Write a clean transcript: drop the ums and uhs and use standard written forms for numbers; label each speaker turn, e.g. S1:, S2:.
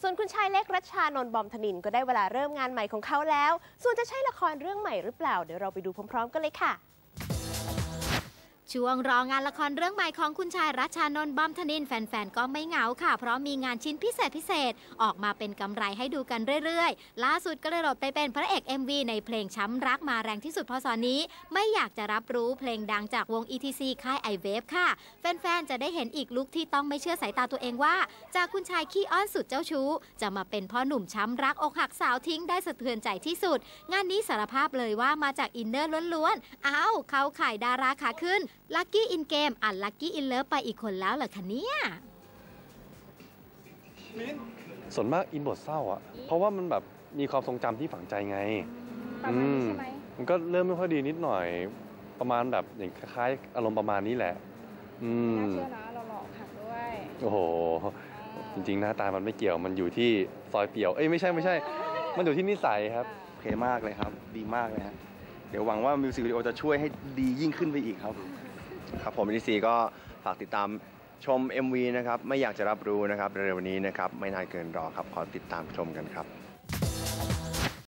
S1: วนคุณชายเล็กรัชชานนท์บอมธนินก็ได้เวลาเริ่มงานใหม่ของเขาแล้วส่วนจะใช่ละครเรื่องใหม่หรือเปล่าเดี๋ยวเราไปดูพร้อมๆกันเลยค่ะ
S2: ช่วงรองานละครเรื่องใหม่ของคุณชายรัชชานนท์บอมธนินแฟนๆก็ไม่เหงาค่ะเพราะมีงานชิ้นพิเศษออกมาเป็นกำไรให้ดูกันเรื่อยๆล่าสุดก็เลยหลดไปเป็นพระเอก MV ในเพลงช้ำรักมาแรงที่สุดพศนี้ไม่อยากจะรับรู้เพลงดังจากวง ETC ค่าย iWave ค่ะแฟนๆจะได้เห็นอีกลุคที่ต้องไม่เชื่อสายตาตัวเองว่าจากคุณชายขี้อ้อนสุดเจ้าชู้จะมาเป็นพ่อหนุ่มช้ำรักอกหักสาวทิ้งได้สะเทือนใจที่สุดงานนี้สารภาพเลยว่ามาจากอินเนอร์ล้วนๆเข้าข่ายดาราขาขึ้นลัคกี้อินเกมลัคกี้อินเลิฟไปอีกคนแล้วเหรอคะเนี่ย
S3: ส่วนมากอินบทเศร้าอ่ะเพราะว่ามันแบบมีความทรงจำที่ฝังใจไง
S4: ประมาณนี้ใช่ไหม
S3: มันก็เริ่มไม่ค่อยดีนิดหน่อยประมาณแบบอย่างคล้ายๆอารมณ์ประมาณนี้แหละ
S4: น่าเชื่อนะเราหลอกหักด้วย
S3: โอ้โหจริงๆหน้าตามันไม่เกี่ยวมันอยู่ที่ซอยเปี่ยวไม่ใช่มันอยู่ที่นิสัยครับ
S5: โอเคมากเลยครับดีมากเลยฮะเดี๋ยวหวังว่ามิวสิกวิดีโอจะช่วยให้ดียิ่งขึ้นไปอีกครับครับผมETCก็ฝากติดตามชม MV นะครับไม่อยากจะรับรู้นะครับเร็วๆนี้นะครับไม่นานเกินรอครับขอติดตามชมกันครับ